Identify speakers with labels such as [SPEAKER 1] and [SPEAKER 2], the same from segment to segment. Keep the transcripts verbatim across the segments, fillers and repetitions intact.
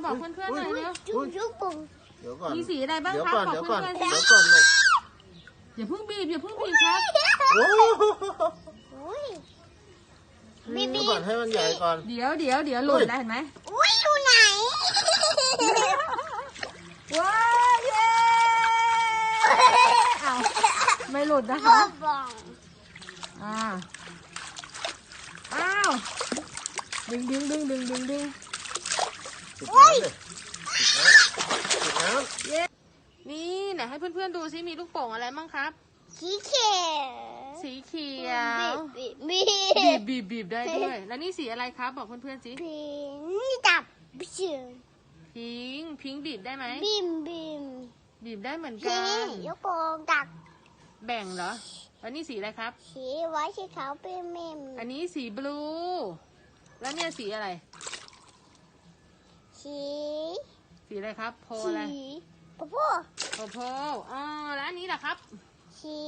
[SPEAKER 1] บอกเพื่อนๆหน่อยเร็ว
[SPEAKER 2] ลูกโป่ง
[SPEAKER 3] เดี๋ยวก่อน
[SPEAKER 1] มีสีอะไรบ้างครับบอกเพื่อนๆ
[SPEAKER 3] เดี๋ยวก่อนลูก
[SPEAKER 1] อย่าเพิ่งบีบอย่าเพิ่งบีบครับ
[SPEAKER 3] โอ้
[SPEAKER 2] บีบี
[SPEAKER 3] ก่อนให้มันใหญ่ก่อน
[SPEAKER 1] เดี๋ยวเดี๋ยวเดี๋ยวหล่นแล้วเห็นไหม
[SPEAKER 2] อุ้ยอยู่ไหน
[SPEAKER 1] ว้าวเย้เอาไม่หลุดนะคะ อ่าอ้าวดึงดึงดึงดึงดึงดึง
[SPEAKER 3] โอ้ย
[SPEAKER 1] เย้นี่ไหนให้เพื่อนๆดูซิมีลูกโป่งอะไรบ้างครับ
[SPEAKER 2] สีเขียว
[SPEAKER 1] สีเขียว
[SPEAKER 2] บีบ
[SPEAKER 1] บีบบีบบีบได้ด้วยแล้วนี่สีอะไรครับบอกเพื่อนๆสิ
[SPEAKER 2] พิงดับเชือ
[SPEAKER 1] พิงพิงบีบได้ไหม
[SPEAKER 2] บีมบีม
[SPEAKER 1] บีบได้เหมือนกัน
[SPEAKER 2] ยกโป่งดัก
[SPEAKER 1] แบ่งเหรอแล้วนี่สีอะไรครับ
[SPEAKER 2] สีไว้สีขาวเป็นเมม
[SPEAKER 1] อันนี้สีบลูแล้วเนี่ยสีอะไร
[SPEAKER 2] สี
[SPEAKER 1] สีอะไรครับโพอะไร
[SPEAKER 2] โพโพ
[SPEAKER 1] โพโพอ๋อแล้วอันนี้ล่ะครับ
[SPEAKER 2] สี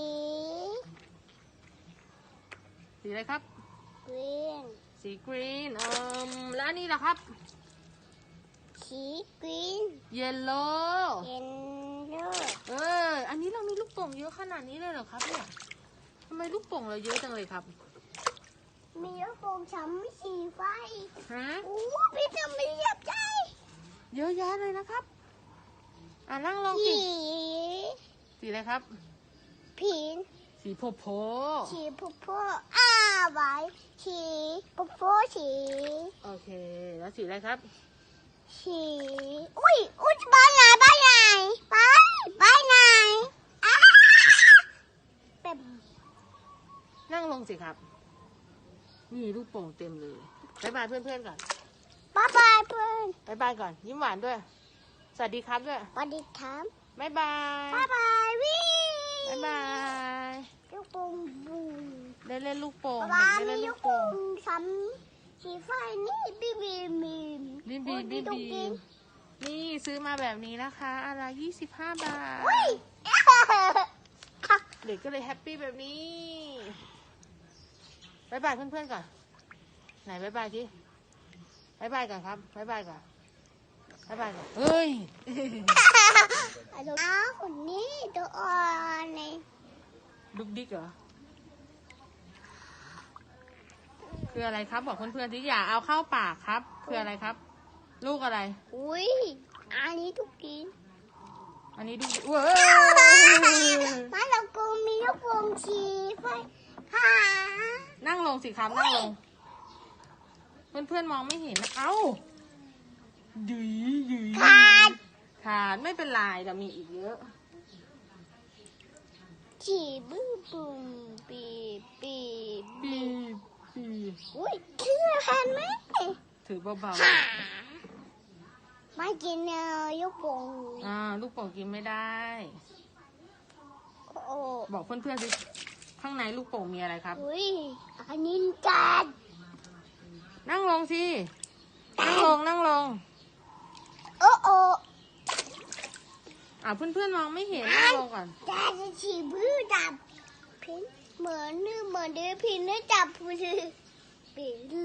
[SPEAKER 1] สีอะไรครับ
[SPEAKER 2] กรีน
[SPEAKER 1] สีกรีนอืมแล้วอันนี้ล่ะครับ
[SPEAKER 2] สีกรีน
[SPEAKER 1] เยลโล่
[SPEAKER 2] เยลโล่
[SPEAKER 1] เอออันนี้เรามีลูกโป่งเยอะขนาดนี้เลยเหรอครับเนี่ยทำไมลูกโป่งเราเยอะจังเลยครับ
[SPEAKER 2] มีลูกโป่งช้ำสีไฟ
[SPEAKER 1] ฮะ
[SPEAKER 2] โอ้พี่ทำไม่เรียบใจ
[SPEAKER 1] เยอะแยะเลยนะครับอ่ะนั่งลงสิสีอะไรครับ
[SPEAKER 2] ผี
[SPEAKER 1] สีโพโพ
[SPEAKER 2] สีโพโพอ้าไว้สีโพโพสี
[SPEAKER 1] โอเคแล้วสีอะไรครับ
[SPEAKER 2] สีอุ้ยอุ้ยบ้านไหนบ้านไหนบ้านบ้านไหนอ้าเป็น
[SPEAKER 1] นั่งลงสิครับนี่ลูกโป่งเต็มเลยบายบายเพื่อนๆก่อน
[SPEAKER 2] บายบายเพื่อน
[SPEAKER 1] บายบายก่อนยิ้มหวานด้วยสวัสดีครับด้วย
[SPEAKER 2] สวัสดีครับ
[SPEAKER 1] บายบาย
[SPEAKER 2] บายบายวิ่ง
[SPEAKER 1] บายบาย
[SPEAKER 2] ลูกโป่งบู
[SPEAKER 1] ได้เล่นลูกโป่ง
[SPEAKER 2] บ้า
[SPEAKER 1] ได้เล่น
[SPEAKER 2] ลู
[SPEAKER 1] ลูก
[SPEAKER 2] กโป่
[SPEAKER 1] โป่ง
[SPEAKER 2] ซ้ำสีไฟนี่บีบีบี
[SPEAKER 1] บีบีบีบีนี่ซื้อมาแบบนี้นะคะอะไรยี่สิบห้าบาทเด็กก็เลยแฮปปี้แบบนี้บายบายเพื่อนๆก่อนไหนบายบายทีบายบายก่อนครับบายบายก่อนบายบายก่อนเฮ้ย
[SPEAKER 2] น้าคนนี้ตัวอ่อนเลย
[SPEAKER 1] ดุกดิกเหรอคืออะไรครับบอกเพื่อนๆที่อย่าเอาเข้าปากครับคืออะไรครับลูกอะไร
[SPEAKER 2] อุ้ยอันนี้ทุกกิน
[SPEAKER 1] อันนี้ดูเว้ย
[SPEAKER 2] มาเรากูมีลูกโป่งชีไฟค่ะ
[SPEAKER 1] นั่งลงสิครับนั่งลงเพื่อนเพื่อนมองไม่เห็นเอ้ายืยยืย
[SPEAKER 2] ขาด
[SPEAKER 1] ขาดไม่เป็นไรแต่มีอีกเยอะ
[SPEAKER 2] ฉีบึ้มบุ้มปีปี
[SPEAKER 1] ปีปี
[SPEAKER 2] อุ้ยถือแผ่นไหม
[SPEAKER 1] ถือเบา
[SPEAKER 2] ๆไม่กินเนื้อลูกโป่ง
[SPEAKER 1] อ่าลูกโป่งกินไม่ได้
[SPEAKER 2] โอ้
[SPEAKER 1] บอกเพื่อนๆสิข้างในลูกโป่งมีอะไรครับ
[SPEAKER 2] อุ้ยอันนี้จัด
[SPEAKER 1] นั่งลงสินั่งลงนั่งลง
[SPEAKER 2] โอ้โอ้
[SPEAKER 1] อ่าเพื่อนๆมองไม่เห็นนั่งลงก่อน
[SPEAKER 2] จัดฉีบื้อดับพินเหมือนนึกเหมือนเดือพินนึกจับผู้ชื่อปี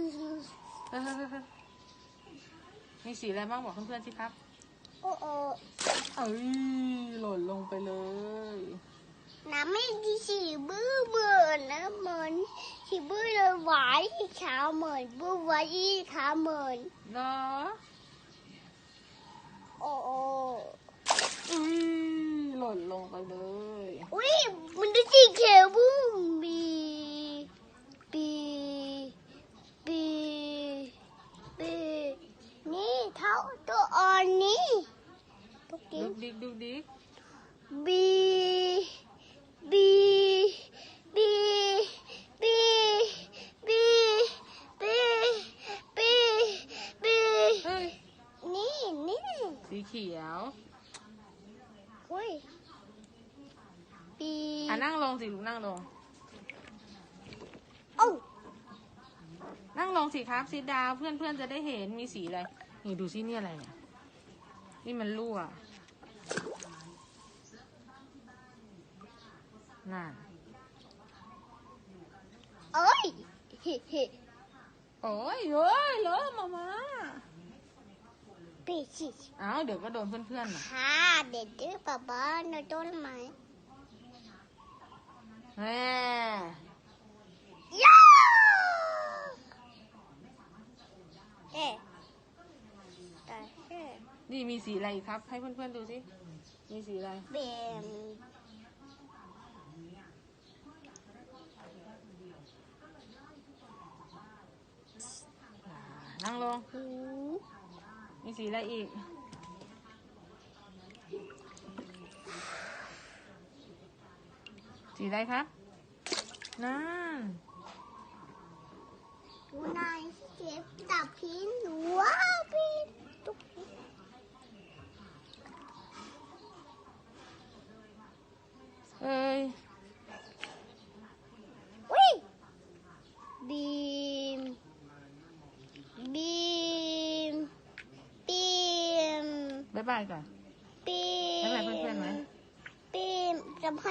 [SPEAKER 1] มีสีอะไรบ้างบอกเพื่อนๆสิครับ
[SPEAKER 2] โอ้โอ้
[SPEAKER 1] เอ้ยหล่นลงไปเลย
[SPEAKER 2] น้ำไม่ดีฉีบื้อเหมือนนะเหมือนฉีบื้อเลยไหวขาวเหมือนบื้อไหวขาวเหมือน
[SPEAKER 1] เนาะ
[SPEAKER 2] โอ้โอ้
[SPEAKER 1] อุ้ยหล่นลงไปเลย
[SPEAKER 2] อุ้ยมันดูสีเขียวบุ้มบีบีบีบีนี่เท้าตัวอ่อนนี่
[SPEAKER 1] ดุกดิกดุกดิก
[SPEAKER 2] บีบีบีบีบีบีบีบีนี่นี่
[SPEAKER 1] สีเขียว
[SPEAKER 2] อุ้ยบี
[SPEAKER 1] อ่ะนั่งลงสิลูกนั่งลง
[SPEAKER 2] โอ้
[SPEAKER 1] นั่งลงสิครับสีดาวเพื่อนเพื่อนจะได้เห็นมีสีอะไรนี่ดูสินี่อะไรเนี่ยนี่มันรั่วน่ะ
[SPEAKER 2] เอ้ย
[SPEAKER 1] โอ้ยเฮ้ยเลอะมามา
[SPEAKER 2] ปีสิ
[SPEAKER 1] อ้าวเดี๋ยวก็โดนเพื่อนๆน่ะ
[SPEAKER 2] ค่ะเด็ดดื้อป๊าป๊าในต้นไม้
[SPEAKER 1] แม่
[SPEAKER 2] ย่าเอ๊ะแต่เอ๊ะ
[SPEAKER 1] นี่มีสีอะไรอีกครับ ให้เพื่อนๆดูสิ มีสีอะไร
[SPEAKER 2] เบม
[SPEAKER 1] นั่งลง
[SPEAKER 2] หู
[SPEAKER 1] มีสีอะไรอีก สีอะไรครับนั่น
[SPEAKER 2] หูนายเจ็บจับพินหนูว้าพินตุ๊ก
[SPEAKER 1] เอ้ย
[SPEAKER 2] วิ่งบีมบีมบีม
[SPEAKER 1] บ๊ายบายก่อน
[SPEAKER 2] บีม
[SPEAKER 1] บ๊ายบายเพื่อนๆไหม
[SPEAKER 2] บีมจะ